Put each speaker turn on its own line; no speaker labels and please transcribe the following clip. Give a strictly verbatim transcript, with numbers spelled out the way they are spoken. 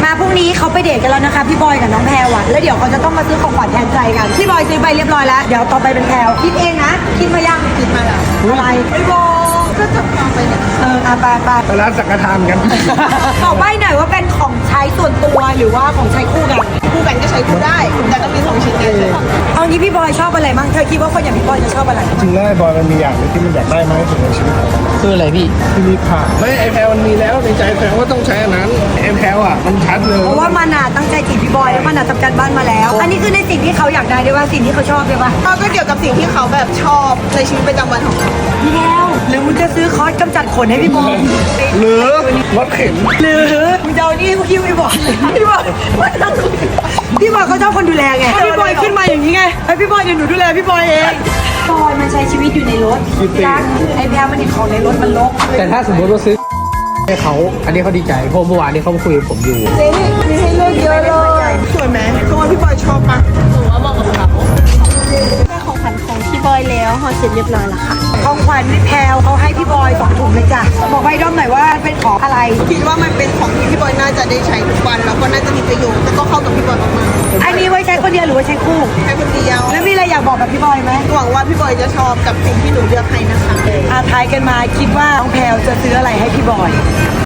พรุ่งนี้เขาไปเดทกันแล้วนะคะพี่บอยกับน้องแพรวอะแล้วเดี๋ยวเขาจะต้องมาซื้อของขวัญแทนใจกันพี่บอยซื้อไปเรียบร้อยแล้วเดี๋ยวต่อไปเป็นแพรวคิดเองนะคิดมายังคิดมาแล้วอะไรไม่บอกก็จะฟังไปเนี่ยเอออ่ะไปไป
ไปร้านสังฆทานกัน
บอกใบ้หน่อยว่าเป็นของใช้ส่วนตัวหรือว่าของใช้คู่กัน
คู่กันก็ใช้คู่ได้แต่ต้องมีสองชิ้นกันเลย
เอางี้พี่บอยชอบอะไรบ้างเธอคิดว่าคนอย่างพี่บอยจะชอบอะไร
จริงแล้วไอ้บอยมันมีอย่างหนึงที่มันอยากได้มากที่สุดในชีวิตของมัน
คืออะไรพี่
ที่รีบผ่าไม่ไอแพลมันมีแล้วในใจแพลว่าต้องใช้อันนั้นไอแพลอ่ะมันชัดเลย
เพราะว่ามันอ่ะตั้งใจจีบพี่บอยแล้วมันอ่ะทำการบ้านมาแล้ว อันนี้คือในสิ่งที่เขาอยากได้ด้วยว่าสิ่งที่เขาชอบด้วยว่า
ก็เกี่ยวกับสิ่งที่เขาแบบชอบในชีวิตประจำวันของเขา
พี่แล้วหรือมึงจะซื้อคอร์สกำจัดขนให้พี่บอย
หรือรถเข็น
หรือมึงจะเอานี่กูคิวพี่บอยพี่บอยไม่ต้องพี่บอยเขาชอบคนดูแลไงพี่บอยขึ้นมาอย่างนี้ไงไอพี่บอยเดี๋ยวหนูดูแลพี่บอยเองบอยมันใช้ชีวิตอยู่ในรถรักไอแพรมันเห็นของในรถมันลก
แต่ถ้าสมมติว่าซื้อให้เขาอันนี้เขาดีใจเพราะเมื่อวานนี้เขามาคุยกับผมอยู่
เจ๊มีให้เลือกเยอะเลยสวยไหมเพราะว่าพี่บอยชอบมาก
ได้ของขวัญของพี่บอยแล้วห่อเสร็จเรียบร้อยแล้วค่ะ
ของขวัญพี่แพรวเขาให้พี่บอยสองถุงเลยจ้ะบอกไปด้อมหน่อยว่าเป็นของอะไร
คิดว่ามันเป็นของที่พี่บอยน่าจะได้ใช้ทุกวันแล้วก็น่าจะมีประโยชน์แล้วก็เข้ากับพี่บอยมาก
อันนี้ไว้ใช้คนเดียวหรือไว้ใช้คู่
ๆแค่คนเดียว
แล้วมีอะไรอยากบอกกับพี่บอยไหม
หวังว่าพี่บอยจะชอบกับสิ่งที่หนูเลือกให้นะคะ
อาทายกันมาคิดว่าน้องแพรวจะซื้ออะไรให้พี่บอย